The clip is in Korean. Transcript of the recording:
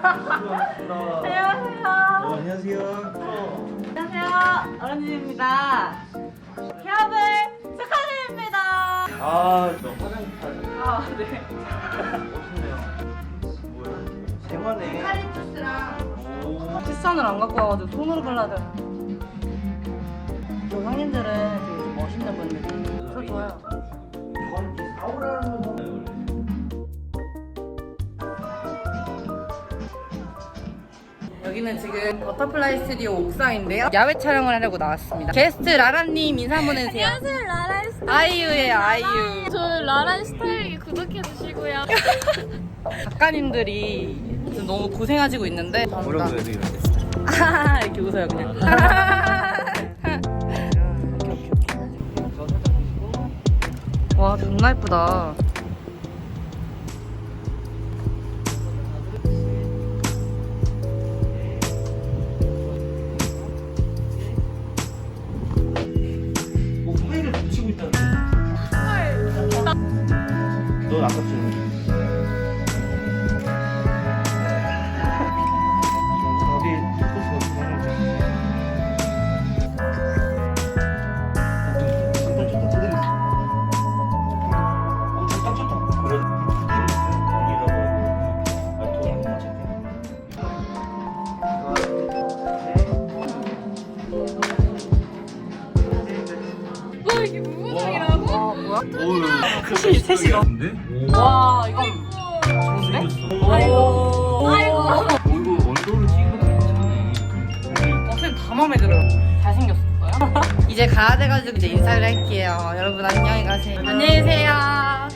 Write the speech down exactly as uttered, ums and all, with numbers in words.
안녕하세요. 어, 안녕하세요. 안녕하세요. 어른입니다. 개업을 축하드립니다. 아, 저 화장품 아, 네. 멋있네요. 뭐야? 생화네. 칼리투스랑 오. 티선을 안 갖고 와가지고 손으로 발라야 돼. 저 형님들은 되게 멋있는 분들이 저 좋아요. 전 사오라는 건 원래. 여기는 지금 버터플라이 스튜디오 옥상인데요. 야외 촬영을 하려고 나왔습니다. 게스트 라라님 인사 한번 해주세요. 안녕하세요, 라란 스타일. 아이유예요, 아이유. 저 라란 스타일 구독해주시고요. 작가님들이 지금 너무 고생하시고 있는데 뭐라고 해야 돼, 이런 데? 아 이렇게 웃어요 그냥. 저 살짝 드시고. 와 존나 예쁘다. 뭐 파일을 붙이고 있다는데? 넌 아까 좀 어디 포스가 잠깐 쳤다 제대로 어 쳤다 쳤다 그런 이라고 아 돈이 안 맞췄네. 뭐 이게 무구정이라고? 와 뭐야? 오우 셋이 셋이 너. 와 이건 좋은데? 아이고. 아이고. 얼굴 얼굴을 찍는 거 괜찮네. 어쌤 다 마음에 들어요. 잘생겼어요. 이제 가야 돼가지고 이제 인사를 할게요. 여러분 안녕히 가세요. 안녕히 계세요.